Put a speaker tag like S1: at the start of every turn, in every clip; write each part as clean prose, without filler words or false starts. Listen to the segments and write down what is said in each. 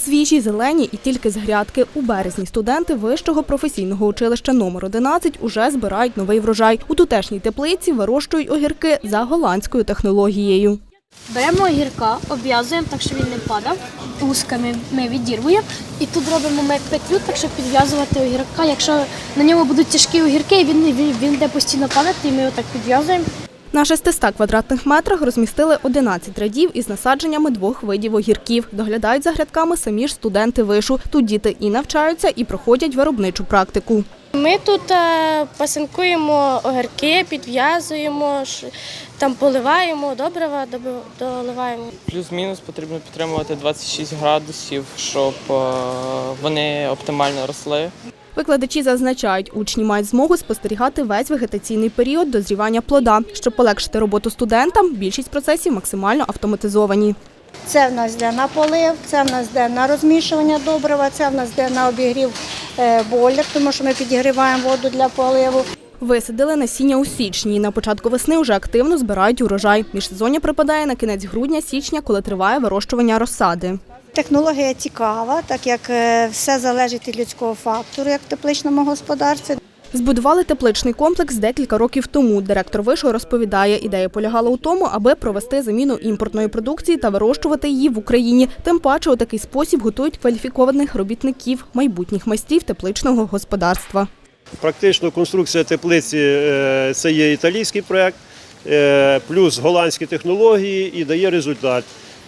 S1: Свіжі, зелені і тільки з грядки. У березні студенти Вищого професійного училища номер 11 уже збирають новий врожай. У тутешній теплиці вирощують огірки за голландською технологією.
S2: Беремо огірка, обв'язуємо так, щоб він не падав. Узками ми відірвуємо. І тут робимо ми петлю, так щоб підв'язувати огірка. Якщо на ньому будуть тяжкі огірки, він буде постійно падати, і ми його так підв'язуємо.
S1: На 600 квадратних метрах розмістили 11 рядів із насадженнями 2 видів огірків. Доглядають за грядками самі ж студенти вишу. Тут діти і навчаються, і проходять виробничу практику.
S2: Ми тут пасинкуємо огірки, підв'язуємо, там поливаємо, добрива доливаємо.
S3: Плюс-мінус потрібно підтримувати 26 градусів, щоб вони оптимально росли.
S1: Викладачі зазначають, учні мають змогу спостерігати весь вегетаційний період дозрівання плода. Щоб полегшити роботу студентам, більшість процесів максимально автоматизовані.
S4: Це в нас йде на полив, це в нас йде на розмішування добрива, це в нас йде на обігрів бойлер, тому що ми підігріваємо воду для поливу.
S1: Висадили насіння у січні. На початку весни вже активно збирають урожай. Міжсезоння припадає на кінець грудня-січня, коли триває вирощування розсади.
S4: Технологія цікава, так як все залежить від людського фактору, як в тепличному господарстві.
S1: Збудували тепличний комплекс декілька років тому. Директор вишу розповідає, ідея полягала у тому, аби провести заміну імпортної продукції та вирощувати її в Україні. Тим паче у такий спосіб готують кваліфікованих робітників, майбутніх майстрів тепличного господарства.
S5: Практично конструкція теплиці – це є італійський проєкт, плюс голландські технології і дає результат.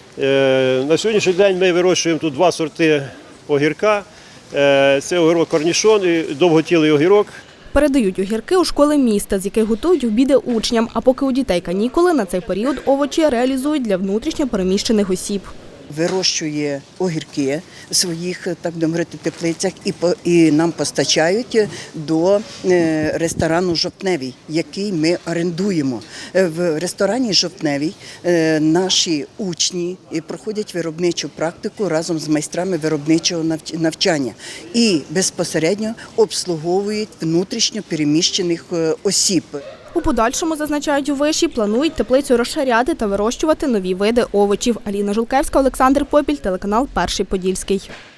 S5: На сьогоднішній день ми вирощуємо тут 2 сорти огірка. Це огірок корнішон і довготілий огірок.
S1: Передають огірки у школи міста, з яких готують обіди учням. А поки у дітей канікули, на цей період овочі реалізують для внутрішньо переміщених осіб.
S6: Вирощує огірки в своїх, так би мовити, теплицях і нам постачають до ресторану «Жовтневий», який ми орендуємо. В ресторані «Жовтневий» наші учні проходять виробничу практику разом з майстрами виробничого навчання і безпосередньо обслуговують внутрішньо переміщених осіб.
S1: У подальшому, зазначають у виші, планують теплицю розширяти та вирощувати нові види овочів. Аліна Жулкевська, Олександр Попіль, телеканал «Перший Подільський».